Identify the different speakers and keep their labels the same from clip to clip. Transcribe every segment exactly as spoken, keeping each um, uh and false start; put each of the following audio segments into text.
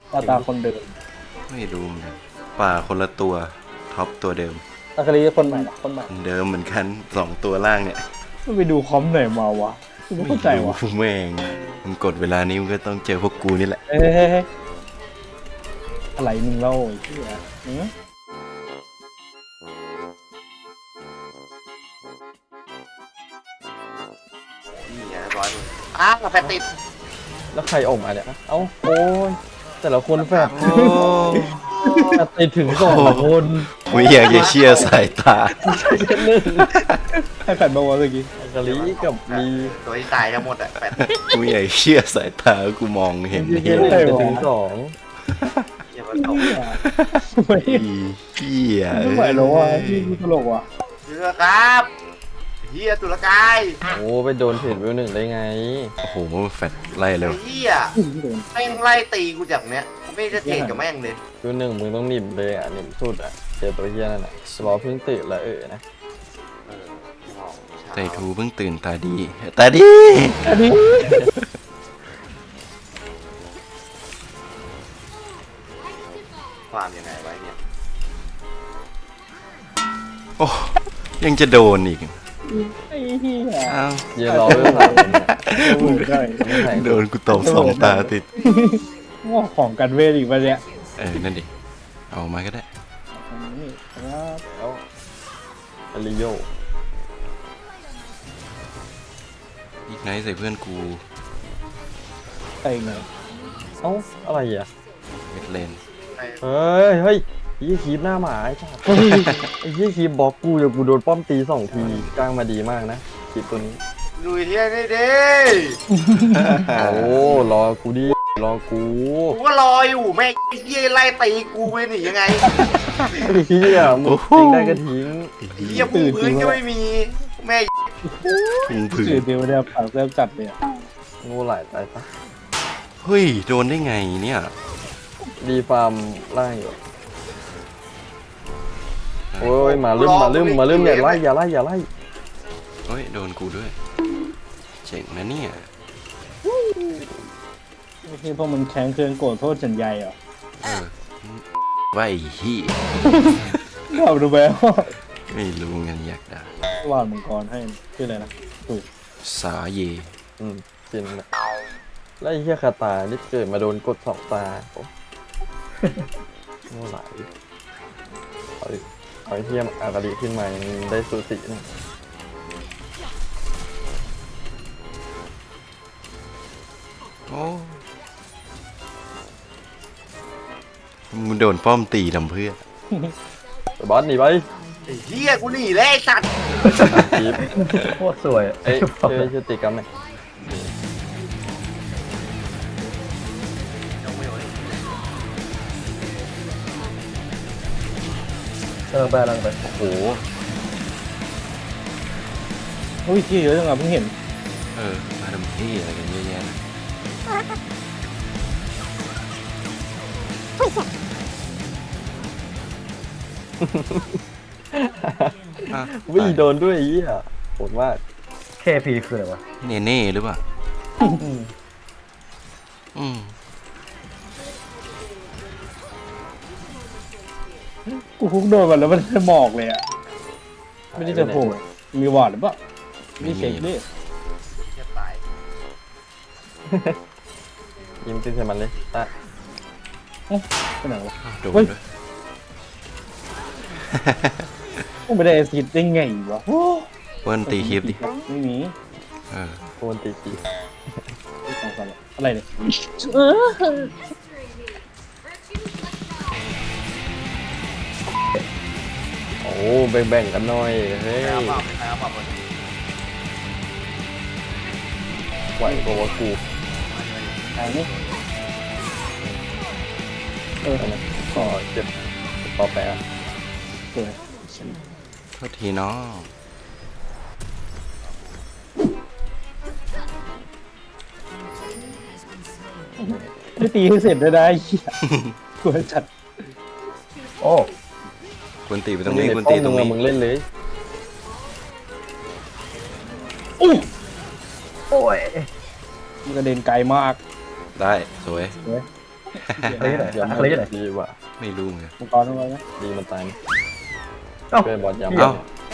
Speaker 1: ตาตาคนเดิม
Speaker 2: ไม่รู้เหมือนกันป่าคนละตัวท็อปตัวเดิม
Speaker 1: อาคาริคนใหม่คนใหม่
Speaker 2: คนเดิมเหมือนกันสองตัวล่างเนี่ย
Speaker 1: ไม่ไปดูคอมไหนมาวะไม่เข้าใจวะ
Speaker 2: แม่งมึงกดเวลานี้มึงก็ต้องเจอพวกกูนี่แหละ
Speaker 1: เอ้ยอะไรมึงเล่าไอ้เหี้ยหือ
Speaker 3: นี่ไงร้อยมึงอ้าวแฟนติด
Speaker 4: แล้วใครออกมาเนี่ยเอ้าโอ้ยแต่ละคนแฝด
Speaker 2: โอ้
Speaker 1: ติดถึงสองคน
Speaker 2: ไม่อยากจะเชื่อสายตา
Speaker 1: ให้แฟนมาวะเมื่อกี้
Speaker 4: กะลิกับลี
Speaker 3: ตัวที่ตายทั้งหมดอะแฟน
Speaker 2: กูไม่อยากเชื่อสายตากูมองเห็น
Speaker 4: เฮี
Speaker 2: เหี้
Speaker 4: ย
Speaker 2: ย
Speaker 4: เล่นไปถึงสอง
Speaker 3: อย่ามาตก
Speaker 1: ไม่
Speaker 2: เหี้ย
Speaker 1: ไม่ไหวแล้วว่ะพี่ตลกว่ะ
Speaker 3: เชื่อครับเฮียตุลกาย
Speaker 4: โอ้ไปโดนเทรดเวลหนึ่งได้ไง
Speaker 2: โอ้โหแฟดไล่เร็ว
Speaker 3: เฮียแม่งไล่ตีกูจากเนี้ยไม่ได้เทรดกับแม่งเลย
Speaker 4: เวลหนึ่งมึงต้องหนิบเลยอ่ะหนิบสุดอ่ะเจอตัวเฮียนั่นอ่ะสลอเพิ่งตื่นแล้วเออนะ
Speaker 3: เออ
Speaker 2: ไต่ทูเพิ่งตื่นตาดีตาดี
Speaker 1: อันนี้
Speaker 3: ความยังไงไว้เนี่ย
Speaker 2: โอ้ยังจะโดนอีก
Speaker 1: ไอ้เหี้ย
Speaker 2: อ้าว
Speaker 4: เฮียรอเวลสามคนเนี่ย
Speaker 1: เวิร์ดได้
Speaker 4: ไม่ใส่
Speaker 2: โดนกูตบสองตาติด
Speaker 1: ว่าของกันเวทอีกปะเนี่ย
Speaker 2: เออนั่นดิเอามาก็ได้
Speaker 1: นี่ครับ
Speaker 4: แล้วอลิโย
Speaker 2: อีกไนท์ใส่เพื่อนกู
Speaker 1: ใส่ไง
Speaker 4: เอ้าอะไรอ่ะ
Speaker 2: เม็ดเลน
Speaker 4: เฮ้ยเฮ้ยยี่คีบหน้าหมาไอ้จ้าไอ้ยี่คีบบล็อกกูเดี๋ยวกูโดนป้อมตีสองทีกลางมาดีมากนะคีบตัวนี้
Speaker 3: ลุยเฮียนี่ดิ
Speaker 4: โอ้รอกูดิรอกู
Speaker 3: กูก็รออยู่แม่งไอ้เฮียไล่ตีกูไปหนียังไง
Speaker 4: ไอ้เฮียมึงทิ้งได้ก็ทิ้ง
Speaker 3: เฮียปูพื้นก็ไม่มีแม่
Speaker 2: พุงผื
Speaker 1: สื่อ
Speaker 2: น
Speaker 1: เดียวเนี่ยผักเริ่มจัดเลยอะ
Speaker 4: งูไหลตายปะ
Speaker 2: เฮ้ยโดนได้ไงเนี่ย
Speaker 4: ดีฟาร์มล่างอยู่โอ้ยมาลืมมาลืมมาลืมอย่าไล่อย่าไล่อย่าไล่
Speaker 2: เฮ้ยโดนกูด้วยเจ๋งนะเนี่ย
Speaker 1: ไม่ใช่พวกมันแข็งเคืองโกรธโทษฉันใหญ่เหรอ
Speaker 2: เออว่าไอ้เหี้ย
Speaker 1: เราดูแบบ
Speaker 2: ไม่รู้เงินอยากด่า
Speaker 1: วาดมังกรให้ชื่ออะไรนะถูก
Speaker 2: สาเย
Speaker 4: อืมจริงนะแล้วไอ้เหี้ยคาตานี่เกิดมาโดนกดสองตาโอ้งูไหลเอาดิเอาไอ้เหี้ยอากาดีขึ้นมายังได้สูสีนะ
Speaker 2: โอ้มึงโดนป้อมตีทำเพื่อ
Speaker 4: บอสหนีไป
Speaker 3: ไอ้เฮียกูหนีแล้วไอ้สัตว์
Speaker 4: จีบ
Speaker 1: โคตรสวย
Speaker 4: เอ้ยเชื่อเชื่อติกรรมไหม
Speaker 1: เออไปลังไป
Speaker 4: โอ้โห
Speaker 1: อุ้ยที่เยอะจังอ่ะเพิ่งเห็น
Speaker 2: เออมาทำที่อะไรกันเยอะแยะนะอ่ะ
Speaker 4: วิ่งโดนด้วยไอ้เหี้ยโหดมาก
Speaker 1: เคพีคืออะไรวะ
Speaker 2: เน่เน่หรือเปล่าอืม
Speaker 1: กูคุกโดนมันแล้วมันจะหมอกเลยอ่ะไม่ได้จะโผล่มีวอร์ดหรือเปล่ามีเช็คดิ
Speaker 3: เฮียตาย
Speaker 4: ยิ้มขึ้นใส่มันเลยตะ
Speaker 1: ไปไหนวะ
Speaker 2: อ้าวโดน
Speaker 1: เฮ้ย
Speaker 2: ด้วย
Speaker 1: กูไม่ได้แอซิดได้ไงวะโอ้
Speaker 2: เปิ้ลตีคลิปดิ
Speaker 1: ไม่มี
Speaker 2: เออ
Speaker 4: โคนตีกี
Speaker 1: ไม่สองสามอะไรเนี่ย
Speaker 4: โอ้แบ่งๆกันหน่อยเฮ้ย
Speaker 3: เอาเปล่าเอาเปล่าบน
Speaker 4: ไหวกว่ากู
Speaker 1: ไหนนี่เออ
Speaker 4: ก็เจ็บปอแปะ
Speaker 1: สวย
Speaker 2: โทษทีน้อง
Speaker 1: ไม่ตีให้เสร็จได้ได้เหี้ยกลัวจัด
Speaker 4: โอ้
Speaker 2: ควรตีไปตรงนี้ควรตีตรงนี้
Speaker 4: มึงเล่นเลย
Speaker 1: โอ้ยมันกระเด็นไกลมาก
Speaker 2: ได้สวย
Speaker 1: สวย
Speaker 5: อะไรที่ไหน
Speaker 4: เดี๋ยว
Speaker 5: อะไรที่ไหน
Speaker 4: ดีกว่า
Speaker 2: ไม่รู้ไง
Speaker 1: มังกรอะไรนะ
Speaker 4: ดีมันตายไหม
Speaker 5: เอ้า
Speaker 4: ช่วยบอลยำ
Speaker 2: เอ้า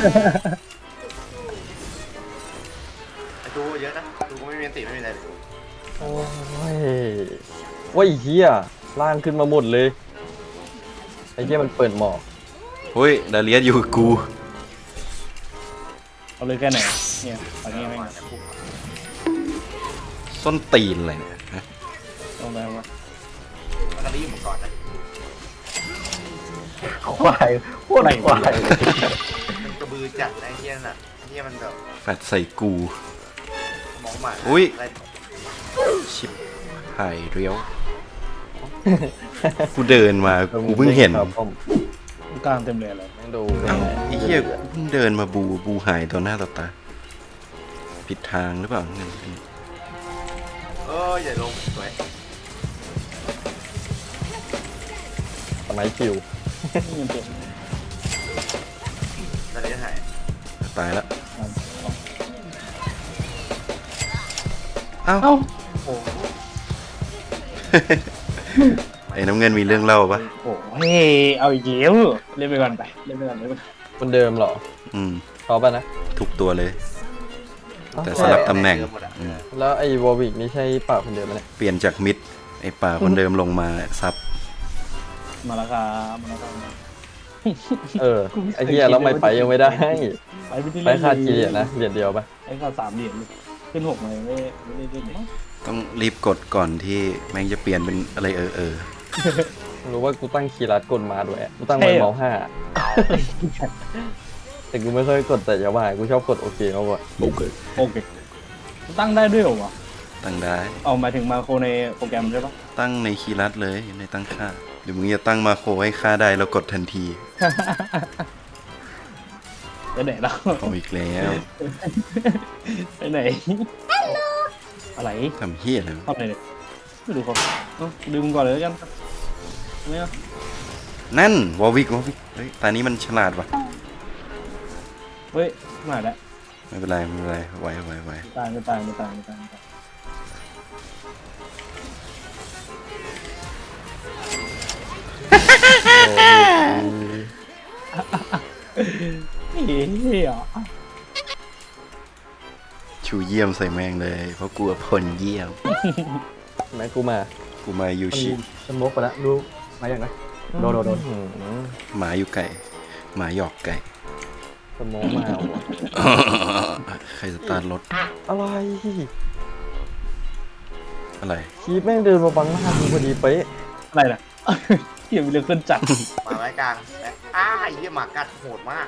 Speaker 3: ไอ้ดูเยอะนะดูก็ไม่มีอันติไม่มีอะไรเลย
Speaker 4: โอ้ยโอ้ยเฮียล่างขึ้นมาหมดเลยไอ้เฮียมันเปิดหมอก
Speaker 2: เฮ้ยดาเลียสอยู่กับกู
Speaker 1: เอาเลยแค่ไหนเนี่ยตอนนี้ไม่ง
Speaker 2: ส้นตีนอะไรเนี่ยฮะ
Speaker 1: ต้องไปว่า
Speaker 3: มันก็รีบหมดก่อนนะ
Speaker 5: ควายโคตรควาย
Speaker 3: มันกระบือจัดนะไอ้เหี้ยน่ะไอ้เหี้ยมันแบบ
Speaker 2: แฟดใส่กู
Speaker 3: มองหมา
Speaker 2: อุ๊ย
Speaker 3: อะไร
Speaker 2: ชิบหายเรียว กูเดินมา กูเพิ่งเห็น
Speaker 4: ครับผม
Speaker 1: กลางเต็มเลยอะไร
Speaker 4: แม่งดู
Speaker 2: เอ้าไอ้เหี้ยกูเพิ่งเดินมาบู บูหายต่อหน้าต่อตา ผิดทางหรือเปล่าเงิน
Speaker 3: เอออย่าลงสวย
Speaker 4: สมัยคิว
Speaker 1: นี่มันเจ็บ
Speaker 3: ตอนนี้หาย
Speaker 2: ตายแล้ว
Speaker 1: เอ้า
Speaker 2: เอ้า
Speaker 1: โอ้
Speaker 2: ไอ้น้ำเงินมีเรื่องเล่าปะ
Speaker 1: โหเฮ้ยเอาอีกแล้วเล่นไปก่อนไปเล่นไปก่อนเล่นไปก่อน
Speaker 4: คนเดิมเหรอ
Speaker 2: อืม
Speaker 4: ชอบป่ะนะ
Speaker 2: ทุกตัวเลย แต่สลับตำแหน่งอืม
Speaker 4: แล้วไอ้วอลวิกนี่ใช่ป่าคนเดิมไหมเนี่ย
Speaker 2: เปลี่ยนจากมิด ไอ้ป่าคนเดิมลงมาซับ
Speaker 1: มาแล้วครับมาแล้วครับ
Speaker 4: เออไอ้เฮียแล้วไม่ไปยังไม่ได้
Speaker 1: ไปไม่ได้
Speaker 4: ไป
Speaker 1: เล่น
Speaker 4: ขาดกี่เหรียญนะเหรียญเดียวปะ
Speaker 1: ไอ้ขาดสามเหรียญลูกขึ้นหกเลยไม่ไม่ได้เล่นเลย
Speaker 2: ต้องรีบกดก่อนที่แม่งจะเปลี่ยนเป็นอะไรเออเออ
Speaker 4: รู้ว่ากูตั้งคีย์รัดกดมาด้วยกูตั้งไว้เมาส์ห้าแต่กูไม่เคยกดแต่อยาว่ากูชอบกดโอเคมากกว่า
Speaker 2: โอเค
Speaker 1: โอเคตั้งได้ด้วยเหรอวะ
Speaker 2: ตั้งได้
Speaker 1: เอาหมายถึงมาโครในโปรแกรมใช่ปะ
Speaker 2: ตั้งในคีย์ลัดเลยในตั้งค่า เดี๋ยวมึงจะตั้งมาโครให้ค่าได้แล้วกดทันที
Speaker 1: ไปไหนแล้ว
Speaker 2: เอาอีกแล้ว
Speaker 1: ไปไหนอะไร
Speaker 2: ทำเฮี้ยอะไรวะ
Speaker 1: ทำอะไรเนี่ยไม่ดูเขาเอ้าดูมึงก่อนเลยแล้วกันไม่เอา
Speaker 2: นั่นวอวิกวอวิกเฮ้ยตานี้มันฉลาดว่ะ
Speaker 1: เฮ้ยมาแล้ว
Speaker 2: ไม่เป็นไรไม่เป็นไรไหวไหวไหว
Speaker 1: ตายไม่ตายไม่ตายไม่ตายไม่ตายเฮ้ยอ่ะ
Speaker 2: ชูเยี่ยมใส่แมงเลย เพราะกลัวพลเยี่ยม
Speaker 4: แม่กูมา
Speaker 2: กูมายู
Speaker 5: มัน
Speaker 2: ชิ
Speaker 5: สโมกไปแล้วรู้มาอย่างไรโดนโดนโดน
Speaker 4: อื้อหือ
Speaker 2: หมาอยู่ไก่หมาหยอกไก่
Speaker 4: สโมองมาว่ะ
Speaker 2: ใครสตาร์ทรถ
Speaker 4: อะไร
Speaker 2: อะไร
Speaker 4: คีบแม่งเดินมาบังหน้ากูพอดีเป๊ะ
Speaker 1: อะไรนะเกี่ยวกับเรื่องเครื่องจักร
Speaker 3: หมาไม้กลางแบ็คอ้าไอ้เหี้ยหมากัดโหดมาก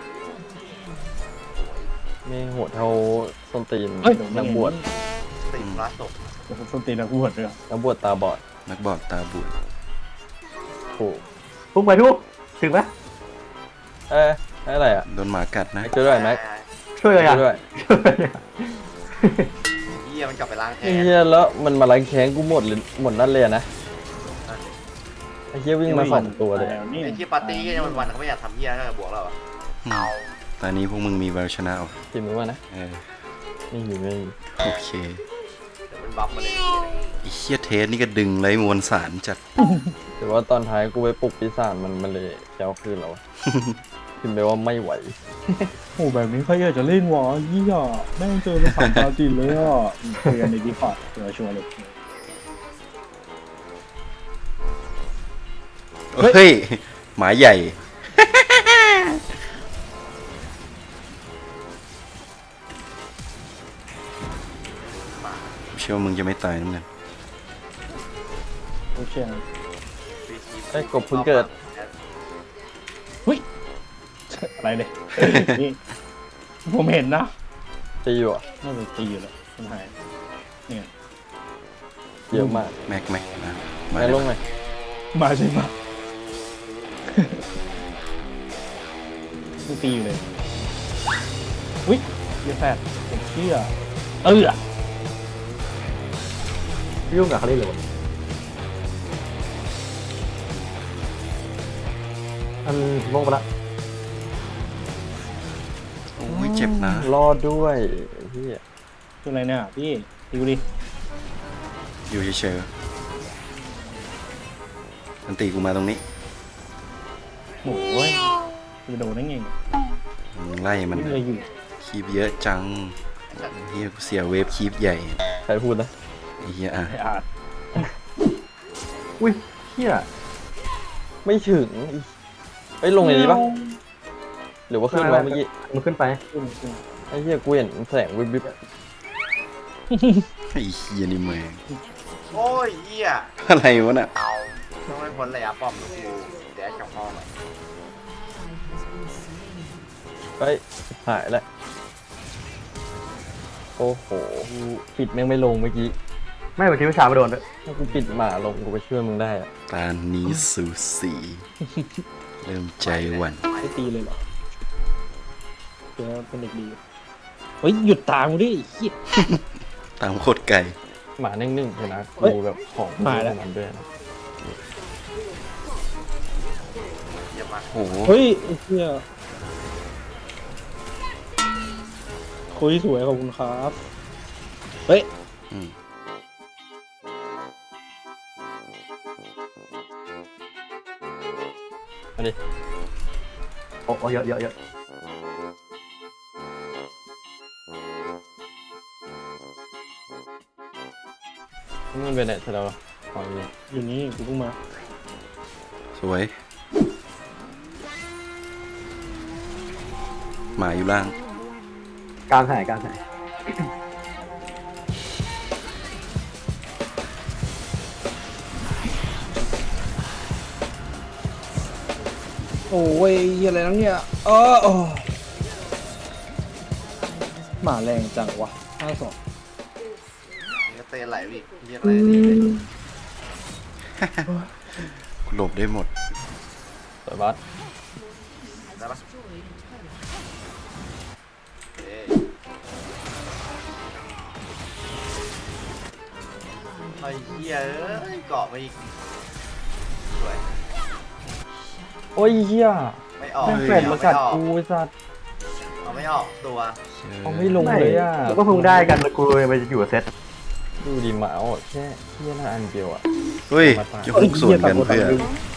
Speaker 4: แม่งโหดเท่าส้นตีน
Speaker 1: เฮ้ย
Speaker 4: นักบวช
Speaker 3: ติดรัดตก
Speaker 1: ส้นตีนนักบวชด้วยเหรอ
Speaker 4: นักบวชตาบอด
Speaker 2: นักบอดตาบุด
Speaker 4: โอ้
Speaker 5: พุ่งไปทุกถึงไหม
Speaker 4: เอ้ยอะไรอ่ะ
Speaker 2: โดนหมากัดนะ
Speaker 4: ช่วยด้วยแม็ก
Speaker 5: ช่วยเลย
Speaker 4: ช่
Speaker 5: อ่ะ
Speaker 4: วยด้วย
Speaker 5: ช่วยเลยอะ
Speaker 3: เหี้ยมันกลับไปล้างแค้
Speaker 4: ไอ้
Speaker 3: น
Speaker 4: เฮียแล้วมันมาล้างแค้นกูหมดเลยหมดนั่นเลยอะนะไอ้เฮียวิ่งมาสองตัวเลย
Speaker 1: นี่
Speaker 3: ไอ้เหี้ยปาร์ตี้ก็ยังวันๆเขาไม่อยากทำเหี้ยก็บวกเราอะ
Speaker 2: อืมตอนนี้พวกมึงมีแววชนะว่ะ
Speaker 4: ทีมมึงว่านะ
Speaker 2: เออ
Speaker 4: ไม่มีไม่มี
Speaker 2: โอเค
Speaker 3: เดี๋ยวมันบัฟมาเลย
Speaker 2: ไอ้เฮี้ยเทสนี่ก็ดึงไรมวลสารจัด
Speaker 4: แต่ว่าตอนท้ายกูไปปลุกปีศาจมันมันเลยแก้วคืนแล้วอะ พิมพ์ไปว่าไม่ไหว
Speaker 1: โอ้แบบนี้ใครอยากจะเล่นวะยี่อ่ะแม่งเจอภาษาชาวจีนเลยอ่ะคุยกันในดีพอร์ตเดี๋ยวชวนเลย
Speaker 2: เฮ้ย หมาใหญ่ เชื่อว่ามึงจะไม่ตายนั่นไง
Speaker 1: โอเค
Speaker 4: ไอ้กบเพิ่งเกิด
Speaker 1: อะไรเลยนี่ผมเห็นนะ
Speaker 4: ตีอยู่อ่ะ
Speaker 1: น่าจะตีอยู่แล้วมันหายเนี่ย
Speaker 4: เยอะมาก
Speaker 2: แม็กแม็กนะ
Speaker 4: แม่ลงเลย
Speaker 1: มาใช่ไหมมันตีอยู่เลยอุ้ยเยอะแฟดผมเชื่อเออ
Speaker 5: ยุ่งกับเขาได้เลยวะอันสโมกไปแล้ว
Speaker 2: โอ้ยเจ็บนะ
Speaker 4: รอดด้วยไอ้เฮีย
Speaker 1: คืออะไรเนี่ยพี่ดูดิ
Speaker 2: อยู่เฉยอันตีกูมาตรงนี้
Speaker 1: โอ้ยจะโดนได้ไง
Speaker 2: มึงไล่มัน
Speaker 1: ไม่เลยอยู่
Speaker 2: คีบเยอะจังเฮียกูเสียเวฟคีบใหญ่
Speaker 4: ใครพูดนะ
Speaker 2: ไอ้เฮียอ่ะ
Speaker 1: ไอ้อาร์ต
Speaker 5: อุ้ยเฮีย
Speaker 4: ไม่ถึงอีเอ้ยลงเลยดีปะหรือว่าขึ้นวะเมื่อกี้
Speaker 5: มันขึ้นไป
Speaker 1: ขึ้นขึ้น
Speaker 4: ไอ้เหี้ยกูเห็นแสงวิบวิบ
Speaker 2: ไอ้เฮียนี่แม่ง
Speaker 3: โอ้ยเหี้ย
Speaker 2: อะไรวะน่ะ
Speaker 3: ต้องไม่พ้นระยะป้อมนะกูแดชกับพ่อหน่อย
Speaker 4: เฮ้ยหายแล้วโอ้โหกูปิดแม่งไม่ลงเมื่อกี้
Speaker 5: ไม่เมื่อกี้วิชามาโดนด้วย
Speaker 4: ถ้ากูปิดหมาลงกูไปช่วยมึงได้อะ
Speaker 2: ตานี้สูสีเริ่มใจหวั่น
Speaker 1: ไม่ตีเลยเหรอเดี๋ยวเป็นเด็กดีเฮ้ยหยุดตามกูดิไอ้เหี้ย
Speaker 2: ตามโคตรไกล
Speaker 4: หมาเน่งๆเลยนะ
Speaker 1: เฮ้ย
Speaker 4: กูแบบของ
Speaker 1: มาแล้ว
Speaker 4: มันด้วยนะ
Speaker 3: เยี่ยมมาก
Speaker 2: โอ้โห
Speaker 1: เฮ้ยไอ้เหี้ยคุยสวยขอบคุณครับเฮ้ย
Speaker 2: อืม
Speaker 4: มาดิ
Speaker 5: โอ้โอ้เยอะเยอะเยอะ
Speaker 4: มันเป็นไหนเสร็จแล้วอะของอยู่
Speaker 1: อยู่นี่กูเพิ่งมา
Speaker 2: สวย หมาอยู่ล่าง
Speaker 5: กลางหายกลางหาย
Speaker 1: โอ้ยอะไรนั่งเนี่ยเออโอ้หมาแรงจังวะห้าสอง
Speaker 3: นี่ก็เตะไหลวิเยี่ยมเลยนี่เลย
Speaker 2: กูหลบได้หมด
Speaker 4: สวยบัส
Speaker 3: ได้ปะเอ้ยไอ้เหี้ยเอ้ยเกาะมาอีกสวย
Speaker 4: โอ้ยเหี้ย
Speaker 3: ไม่ออก
Speaker 4: แม่งแฟนมากัดกูไอ้สัส
Speaker 3: เอาไม่ออกตัว
Speaker 4: เอาไม่ลงเลยอ่ะ
Speaker 5: แล้วก็เพิ่งได้กันแล้วกูไปอยู่กับเซต
Speaker 4: ดูดิหมาเอาแค่เหี้ยละอันเดียวอ่ะ
Speaker 2: เฮ้ยจะฮุกสวนกันเพื่อ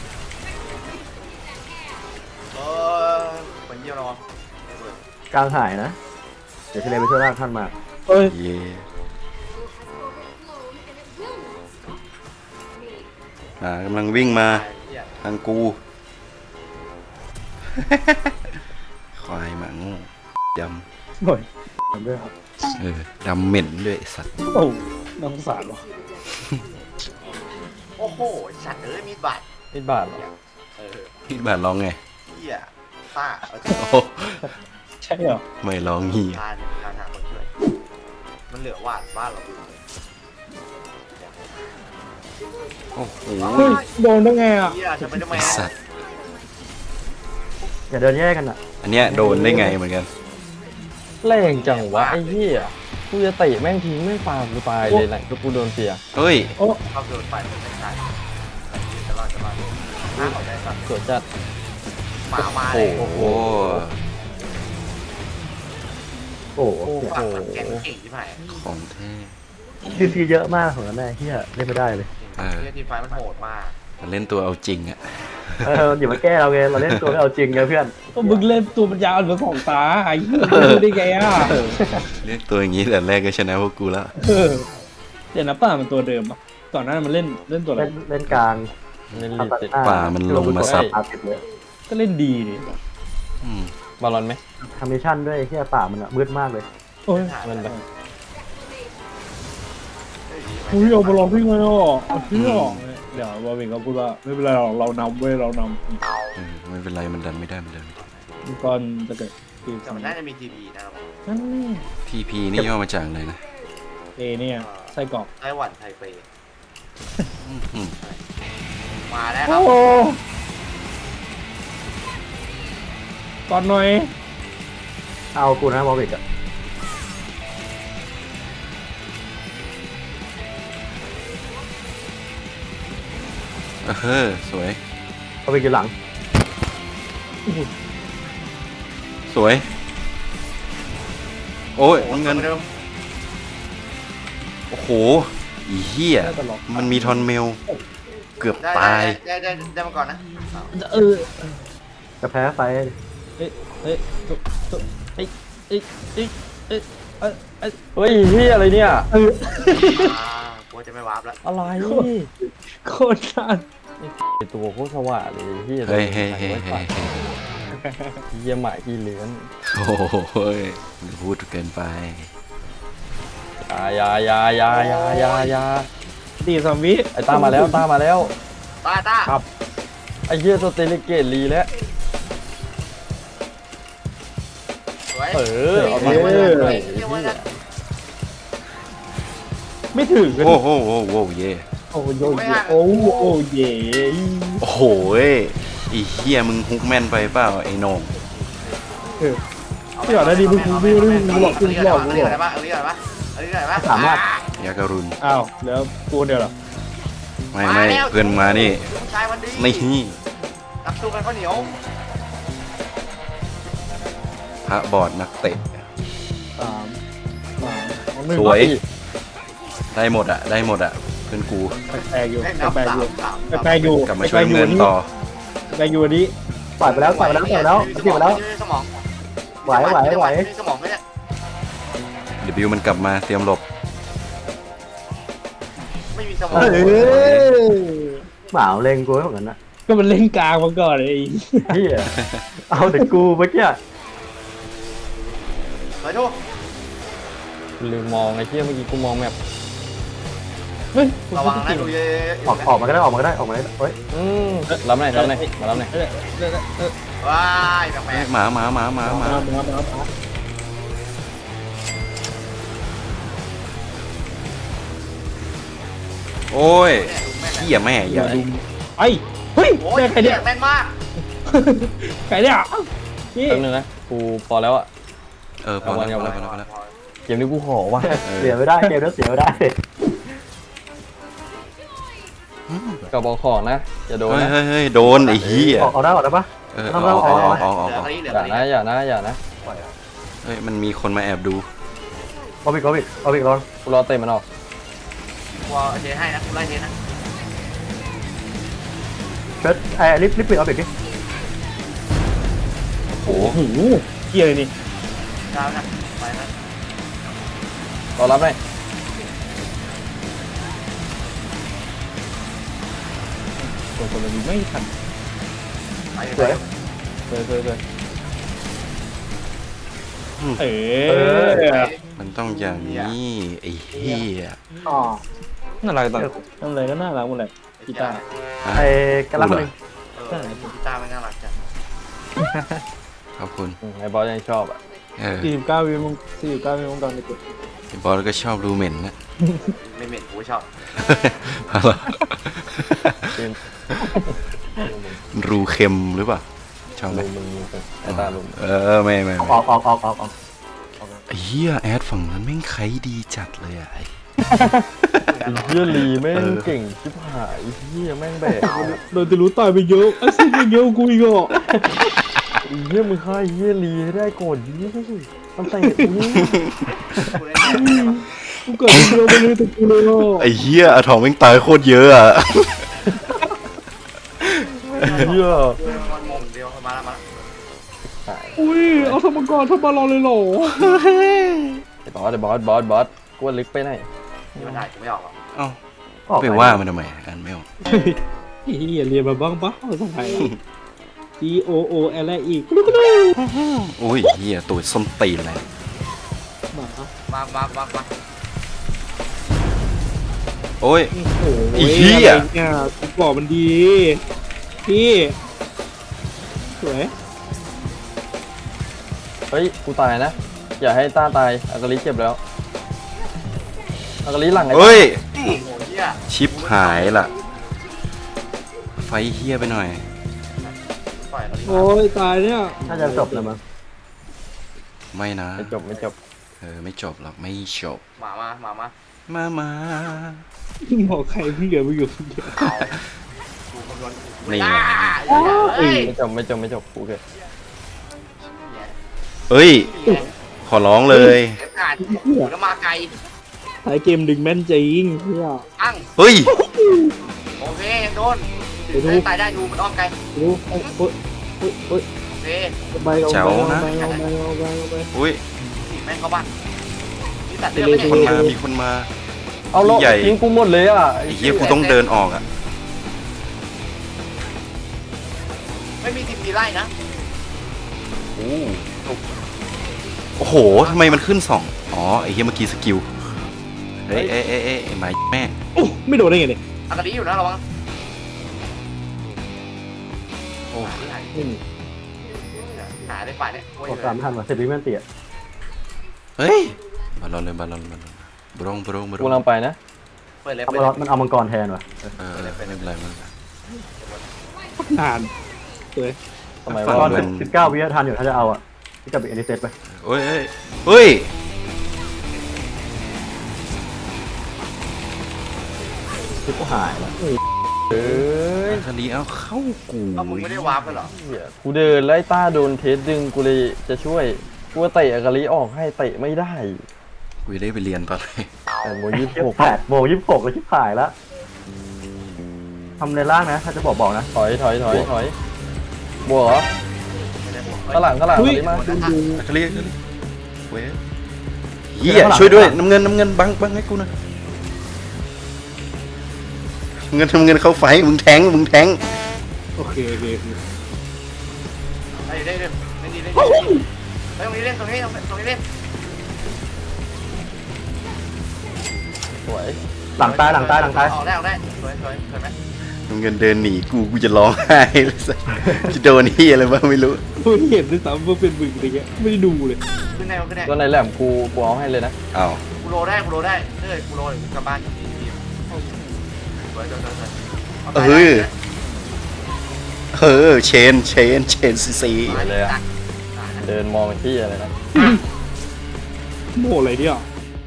Speaker 3: เออมันเยี่ยมแล้ว
Speaker 5: กลางหายนะ เดี๋ยวทะเลไปช่วยลากท่านมา
Speaker 1: เฮ้ย
Speaker 2: เย่อ่ากำลังวิ่งมา
Speaker 3: ไอ้เหี้ย
Speaker 2: ทางกู ควายหมาโง่ด
Speaker 1: หน่อยทำด้วยครับ
Speaker 2: ำเออดำเหม็นด้วยไอ้สัตว์
Speaker 1: โอ้น่าสงสารวะ
Speaker 3: โอ้โหสัตว์เอ้ยมีดบาด
Speaker 4: นิดบาทเหรอ
Speaker 3: เออ
Speaker 2: พี่บาทร้องไง
Speaker 3: เหี้ยป้าเอาจะ
Speaker 2: โอ้
Speaker 1: ใช่เหรอ
Speaker 2: ไม่ร้องเฮีย
Speaker 3: ทานทานหาคนช่วยมันเหลือหวาดบ้านเราดูเลย
Speaker 2: โอ้โห
Speaker 1: เฮ้ยโดนได้ไงอ่ะ
Speaker 3: เหี้ยจะไปทำไม
Speaker 2: ไอ้
Speaker 3: อ่ะ
Speaker 2: สัตว์
Speaker 5: อย่าเดินแยกกันอ่ะ
Speaker 2: อันเนี้ยโดนได้ไงเหมือนกัน
Speaker 4: แรงจังวะไอ้เหี้ยกูจะเตะแม่งทิ้งไม่ฟากูตายเลยแหละก็กูโดนเสีย
Speaker 2: เฮ้ย
Speaker 1: โอ้
Speaker 3: ชอบโดนไฟมันไม่ได้จะรอดจะรอดห้าออกได้สัตว์
Speaker 4: สวยจัด
Speaker 3: หมามาเลย
Speaker 2: โอ้โห
Speaker 5: โอ้โห
Speaker 4: โอ้โห
Speaker 3: ฝั่งมันแกงเก่งที่ไหน
Speaker 2: ของแท้
Speaker 5: ทีซีเยอะมากของนั้นแน่เฮียเล่นไม่ได้เลย
Speaker 2: เออ
Speaker 3: เฮียทีไฟมันโหดมาก
Speaker 2: มันเล่นตัวเอาจริงอ่ะ
Speaker 5: เอออย่ามาแก้เราไงเราเล่นตัวไม่เอาจริงไงเพื่อน
Speaker 1: ก็มึงเล่นตัวปัญญาอ่อนเหมือนของตาไอ้เหี้ยดูได้ไงอ่ะ
Speaker 2: เล่นตัวอย่างนี้แต่แรกก็ชนะพวกกูแล้ว
Speaker 1: เออเดี๋ยวนะป้ามันตัวเดิมอ่ะก่อนหน้านั้นมันเล่นเล่นตัวอะไร
Speaker 5: เล่นเล่นกลาง
Speaker 4: เล่นลีดเสร็จ
Speaker 2: ป่ามันลงมาซับ
Speaker 5: อาติดเลย
Speaker 1: ก็เล่นดีดิ
Speaker 2: อืม
Speaker 4: บอลลอนไหม
Speaker 5: ทำมิชชั่นด้วยเฮียป่ามันอะมืดมากเลย
Speaker 1: โอ้ย
Speaker 4: มันแบบ
Speaker 1: คุยเอาบอลลองพี่ไงอ่ะเอาพี่ออกเลยเดี๋ยวบอลวิงก็พูดว่าไม่เป็นไรหรอกเรานำเว้ยเราน
Speaker 2: เออไม่เป็นไรมันดันไม่ได้มันดันไม่ได้
Speaker 1: ำก่อนจะเกิดทีม
Speaker 3: แต่มันน่าจะมีทีวีนะครับ
Speaker 1: นั่นนี่
Speaker 2: ทีพีนี่ย่อมาจากอะไรนะ
Speaker 1: เอเนี่ยไส้กรอก
Speaker 3: ไต้หวันไทเป
Speaker 2: อื้อหือ
Speaker 3: มาแล้วครับ
Speaker 1: โอ้ก่อนหน่อย
Speaker 5: เอากูนะบอลบิกอะ
Speaker 2: เออสวย
Speaker 5: บอลบิกอยู่หลัง
Speaker 2: สวย โอ้ยเงิน
Speaker 3: เดิม
Speaker 2: โอ้โหอีเหี้ยมันมีทอนเมลเกือบ
Speaker 3: ได้
Speaker 2: ตาย
Speaker 3: ได้ได้ได้ได้มาก่อนนะ
Speaker 1: เออ
Speaker 5: จะแพ้ไฟ
Speaker 1: เฮ้ยเฮ้ยตุ๊ตุ๊เฮ้ยเฮ้ยเฮ้ยเฮ้ยเอ้ยเอ้ย
Speaker 4: เฮ้ยเฮียอะไรเนี่ย
Speaker 1: เออ
Speaker 3: อ่ากลัวจะไม่วาร์ปแล้ว
Speaker 4: อะไร
Speaker 1: โคตรสั้น
Speaker 4: ไอตัวโคตรสว่างเลยเฮีย
Speaker 2: เฮ้ยเฮ้ยเฮ้ยเฮ้ยเฮ้ย
Speaker 4: เฮียหมายที่เลื้อน
Speaker 2: โอ้โหยมึงพูดเกินไป
Speaker 4: อยาอยาอยาอยาอยาอยา
Speaker 1: ตีซอมบี้
Speaker 4: ไอตามาแล้วตามาแล้ว
Speaker 3: ตาตา
Speaker 1: ครับ
Speaker 4: ไอเฮียสเตเลเกตลีแล้ว
Speaker 3: สวย
Speaker 4: เออเอามา
Speaker 3: เอ
Speaker 4: เล
Speaker 3: อย
Speaker 4: เฮีย
Speaker 1: ไม่ถึงกัน
Speaker 2: โอ้โหโอ้โหเย่
Speaker 1: โอ้โยเยโอ้โอ้เย่
Speaker 2: โอ้โหยไอ้เฮียมึงฮุกแม่นไปเปล่าไอ้โหนง
Speaker 1: เออที่ก่อนหน้านี้มึงมึงมึงมึงหลอกมึงหลอกมึงหลอก
Speaker 3: เอาดิก่อนได้ปะเอาดิก่อนได้ปะเอาดิก่อนได้ปะ
Speaker 5: สามารถ
Speaker 2: ยาการุณ
Speaker 1: อ้าวแล้วกูเดียวเหรอ
Speaker 2: ไม่ไม่เพื่อนมานี่
Speaker 3: ชายวันดี
Speaker 2: นี่
Speaker 3: นักสู้กันข้าวเหนียว
Speaker 2: พระบอดนักเตะ
Speaker 1: สามสามสองหนึ่ง
Speaker 2: สวย ได้หมดอะได้หมดอะเพื่อนกู
Speaker 1: แปลกๆอยู่
Speaker 3: แม่งนับ
Speaker 1: แปลกๆ
Speaker 3: สา
Speaker 1: อยู่
Speaker 3: มสาม
Speaker 1: แปลกๆอยู่
Speaker 2: กลับมาช่วยเงินต่อ
Speaker 1: แปลกๆอยู่อันนี้
Speaker 5: ปล่อยไปแล้วปล่อยไปแล้วปล่อยไปแล้ว
Speaker 3: ไม่
Speaker 5: ติดไปแล้ว
Speaker 3: มีสมอง
Speaker 5: ไหวไหวไหว
Speaker 3: ไม่มีสมองไหมเนี่ย
Speaker 2: เดี๋ยวบิวมันกลับมาเตรียมหลบ
Speaker 3: ไม่มีสม
Speaker 1: เอ
Speaker 3: อง
Speaker 1: อ
Speaker 5: หมาเล็งกูเหมือนกันนะ
Speaker 1: ก็มันเล่นกลางมาก่อนไอ้
Speaker 5: เฮียเอาแต่กูเมื่อกี้
Speaker 3: เฮ้ยทุก
Speaker 4: ลืมมองไอเฮียเมื่อกี้กูมองแบบ
Speaker 1: เฮ้ย
Speaker 3: ระวังนะดูเยอะ
Speaker 5: ออกออกมาก็ได้ออกมาก็ได้ออกมาได้เฮ้ย
Speaker 4: อืมรับหน่อยรับหน่อยมารับหน่อย
Speaker 1: เออเออเออ
Speaker 3: ๆว้ายแปล
Speaker 2: เอ้ย
Speaker 3: ก
Speaker 2: หมาหมาหมาหมาหมา
Speaker 1: มามามามา
Speaker 2: โอ้ย
Speaker 3: ๆแม่ง
Speaker 2: เหี้ยแม่
Speaker 1: อ
Speaker 2: อย่า
Speaker 1: ย่าดุมไอ้เฮ้ย
Speaker 3: โอ้ย
Speaker 1: แม่ใครเนี่ย
Speaker 3: แม่นมาก
Speaker 1: ใครเนี่ยนี่
Speaker 4: แป๊บนึงนะกูพอแล้วอะ
Speaker 2: เออพอแล้วพอแล้วพอแล้วพอแล้ว
Speaker 4: เกมนี้กูขอว่ะ
Speaker 5: เสียไม่ได้เกมนี้เสียไม่ได้
Speaker 4: กับบอกของนะอย่าโดน
Speaker 2: เฮ้ย
Speaker 4: นะ
Speaker 2: เฮ้ยเฮ้ยโดนไอ้เหี้ย
Speaker 5: ออกออกได้ออกได้ปะ
Speaker 2: เออเอาเอาเอาเอาเอา
Speaker 3: เหลือ
Speaker 2: เอา
Speaker 3: คดีเหลือ
Speaker 4: อย่า
Speaker 3: คดี
Speaker 4: นะอย่านะอย่านะ
Speaker 2: เฮ้ยมันมีคนมาแอบดู
Speaker 5: เอาอีกเอาอีกเอาอีกรอน
Speaker 4: กูรอเตะมันออก
Speaker 3: วอลเทให้นะคุณไล่เทนะ
Speaker 5: เชิดไอ้ลิฟต์ลิฟต์ปิดเอาอีกดิ
Speaker 2: โอ้โห
Speaker 1: โอ้โหเกียร์เลยนี่
Speaker 3: ดาวนะไปนะ
Speaker 4: รอรับหน่อย
Speaker 1: คนคนละนี้ไม่ทัน
Speaker 3: ไป
Speaker 5: สวย
Speaker 4: เฮ้ยเฮ้ยเฮ้ย
Speaker 1: เอ
Speaker 5: เอ
Speaker 1: อ
Speaker 2: มันต้องอย่างนี้ไอ้เหี้ย
Speaker 5: อ๋อ
Speaker 1: น่ารักต่างทำอะไรก็น่ารักหมดเลยกีตาร์
Speaker 2: อ่ะ
Speaker 5: ไอ้กระลังหนึ่ง
Speaker 3: เออกีตาร์มันน่ารักจัง
Speaker 2: ขอบคุณ
Speaker 4: อืมไอ้บอสยังชอบอ่ะ
Speaker 2: เออ
Speaker 1: สี่สิบเก้าวิวมึงสี่สิบเก้าวิวมึงตอนเด็ก
Speaker 2: ไอ้บอสก็ชอบรูเหม็นนะ
Speaker 3: ไม่เหม็นกูชอบ
Speaker 2: เอาล่ะ
Speaker 4: เกม
Speaker 2: รูเค็มหรือเปล่าชอบไหม
Speaker 4: ลุมมึงไอ้ตาลุม
Speaker 2: เออไม่ไม่
Speaker 5: อ
Speaker 2: ไม่
Speaker 5: อกออกออกออกออก
Speaker 2: ไอ้เหี้ยแอดฝั่งนั้นแม่งใครดีจัดเลยอะไอ้
Speaker 4: ไอ้เฮียลีแม่ง
Speaker 2: เออ
Speaker 4: เก่งชิบหายไอ้เฮียแม่งแบก
Speaker 1: ๆเราจะรู้ตายไปเยอะไอ้สิ่งไปเยอะกูอีกอ่ะ
Speaker 4: ไอ้เฮียมึงฆ่าไอ้เฮียลีให้ได้ก่อนดิมันใส่กูนี่
Speaker 3: กูเล่นแทนได้ปะ
Speaker 1: กูเกิดเป็นเยอะไปเลยแต่กูเลยอ่ะ
Speaker 2: ไอ้เหี้ยอะทองแม่งตายโคตรเยอะอะ
Speaker 4: เฮีย
Speaker 3: มันงงเดียวมาแล้วมา
Speaker 1: อุ้ยเอาสมกรทำมารอเลยเหรอ
Speaker 4: ไอ้บอสไอ้บอสบอสบอสกูว่าลึกไปไหน
Speaker 3: ที่มันถ่ายกูไม่ออกหรอก
Speaker 2: เอ้า
Speaker 5: ออก
Speaker 2: ไปว่ามันทำไมอ่านไม่ออก
Speaker 1: เฮียเรียนมาบ้างปะภาษาไทย G O O L อีก
Speaker 2: โอ้ยเหี้ยตัวส้มตีนอะไร
Speaker 1: หมา
Speaker 3: มามามามา
Speaker 2: โอ้ย
Speaker 1: โอ้โห
Speaker 2: ไอ้เหี้ย
Speaker 1: อะไรเนี่ยกูบอกมันดีพี่สวย
Speaker 4: เฮ้ยกูตายนะอย่าให้ต้าตายอากาลิเจ็บแล้วอากาลิหลังไอ้
Speaker 2: เฮ้ย
Speaker 3: โอ้โหเหี้ย
Speaker 2: ชิปหายล่ะ ไฟเฮี้ยไปหน่อย
Speaker 3: ปล่อยเราดีก
Speaker 1: โอ้
Speaker 3: ว่าย
Speaker 1: ตายเนี่ย
Speaker 5: น่าจะจบแล้วมั้ง
Speaker 2: ไม่นะ
Speaker 4: ไม่จบไม่จบ
Speaker 2: เออไม่จบหรอกไม่จบ
Speaker 3: หมามาหมามา
Speaker 2: มามา
Speaker 1: บอกใครเพิ่งเกิดมาอยู่คนเดียว
Speaker 3: เอากูคำนวณ
Speaker 2: นี่
Speaker 3: อ่า
Speaker 2: ไง
Speaker 3: เฮ้ย
Speaker 4: ไม่จบไม่จบไม่จบกูเกิด
Speaker 2: เอ้ย ขอร้องเลย
Speaker 3: เอฟการ์ดแล้วมาไกล
Speaker 1: ท้ายเกมดึงแม่นจริงเพื่อ
Speaker 3: อั้ง
Speaker 2: เฮ้ย
Speaker 3: โอเคยังโดน
Speaker 5: เดี๋ยวดู
Speaker 3: ตายได้ดูมันอ้อมไกล
Speaker 5: ดูโอ้ยโอ้ยโอ้ยโอ้ย
Speaker 3: เฮ้ย
Speaker 5: เอาไปเอาไปเอาไปเอาไปเอาไปเอาไป
Speaker 2: อุ้ย
Speaker 3: แม่งเข้าบ้านนี่ตัด
Speaker 5: เ
Speaker 3: เลือดไม่
Speaker 2: มี
Speaker 3: ใช่
Speaker 2: คนมามีคนมา
Speaker 4: เอาแล้ว
Speaker 2: ใหญ่
Speaker 4: ทิ้งกูหมดเลยอ่ะ
Speaker 2: ไอ้เหี้ยกูต้องเดินออกอ่ะ
Speaker 3: ไม่มีทีมดีไล่นะ
Speaker 2: โอ้โอ้โหทำไมมันขึ้นสองอ๋อไอ้เหี้ยเมื่อกี้สกิลเฮ้ยเอ้ยเอ้ยเอ้ยไอ้หมาแม่
Speaker 5: โอ้ไม่โดนได้ไงเนี่ย
Speaker 3: อากาศดีอยู่นะระวัง
Speaker 2: โอ้
Speaker 3: หา
Speaker 5: ไม่มี
Speaker 3: หาได้ฝ่ายเนี่ยโอ้ย
Speaker 5: ออกสามทันว่ะเสร็จวิแมนเตีย
Speaker 2: เฮ้ยบอลลอนเลยบอลลอนบอลลอนบรงบรงบร
Speaker 4: กู
Speaker 2: ง
Speaker 4: กำลังไปนะ
Speaker 3: เปิดเลย
Speaker 5: เอา
Speaker 3: เปิด
Speaker 5: มา
Speaker 3: เลย
Speaker 5: มันเอามังกรแทนว่ะ
Speaker 2: เออไม่เป็นไรไม่เป็นไร
Speaker 5: นานเลย
Speaker 4: ทำไม
Speaker 2: ฝั่
Speaker 4: วะ
Speaker 2: ง
Speaker 5: ตอนสิบเก้าวิทันอยู่ถ้าจะเอาอ่ะที่กับอีกอันนี้เซตไป
Speaker 2: เฮ้ยเฮ้ยเฮ้ย
Speaker 5: ที่ก็หายแล้ว
Speaker 4: เอ้ย
Speaker 2: อาคาลีเอาเข้ากู
Speaker 3: เอามึงไม่ได้วาร์ปกันเหรอ
Speaker 4: เหี้ยกูเดินไล่ต้าโดนเทสดึงกูเลยจะช่วยกูว่าเตะอากาลิออกให้เตะไม่ได้
Speaker 2: กูจะได้ไปเรียนตอนไหน
Speaker 4: แต่โมยี่สิบ
Speaker 5: ยี่
Speaker 4: ห
Speaker 5: สิ
Speaker 4: ก
Speaker 5: บแปดโมงยี่สิบหกเลยชิบหายแล้วทำในล่างนะ ถ้าจะบอกบอกนะ
Speaker 4: ถอยถอยถอยถอยบวกเหรอ
Speaker 3: ไม่ได้บวก
Speaker 4: ข้างหลังข้างหลัง
Speaker 5: เฮ้ย
Speaker 4: มาดิมา
Speaker 2: อาคาลีอาคาลีเว้ยเหี้ยช่วยด้วยน้ำเงินน้ำเงินบังบังให้กูหนะเงินทำเงินเข้าไฟมึงแทงมึงแทง
Speaker 5: โอเคโอเคโอเค
Speaker 3: ได้ได้ได้ไม่ดีได้ดีไปตรงนี้เล่นตรงนี้ตรงนี้เล่น
Speaker 4: สวย
Speaker 5: หลังตายหลังตายหลังตาย
Speaker 3: ออกได้ออกได้สวยสวยสวยไหม
Speaker 2: น้ำเงินเดินหนีกูกูจะร้องไห้เลยสัสจะโดนเหี้ยอะไรบ้างไม่รู้
Speaker 5: ไม่เห็นด้วยซ้ำว่าเป็นมึงอะไรเงี้ยไม่ได้ดูเลย
Speaker 3: ขึ้นได้ขึ้นได้
Speaker 4: ตัวไหนแหลมกูกูเอาให้เลยนะ
Speaker 2: อ้าว
Speaker 3: กูโลได้กูโลได้เฮ้ยกูโลเดี๋ยวกูกลับบ้านสวยสวยสวยสวย
Speaker 2: เออเออเชนเชนเชนซีซี
Speaker 4: เลยอะเดินมองที่อะไรนะ
Speaker 5: โม่อะไรเนี่ย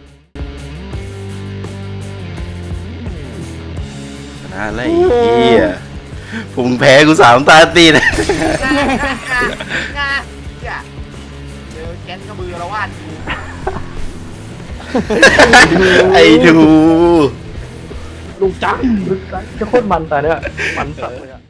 Speaker 2: ชนะแล้วไอ้เหี้ยพวกมึงแพ้กูสามตาตีนะ
Speaker 3: งาอย่าเจอแก๊สกระบือละวาด
Speaker 2: ไอ้ดู
Speaker 5: ลูกจังลูกจังจะโคตรมันแต่เนี่ยมันสัตว์เลยอะ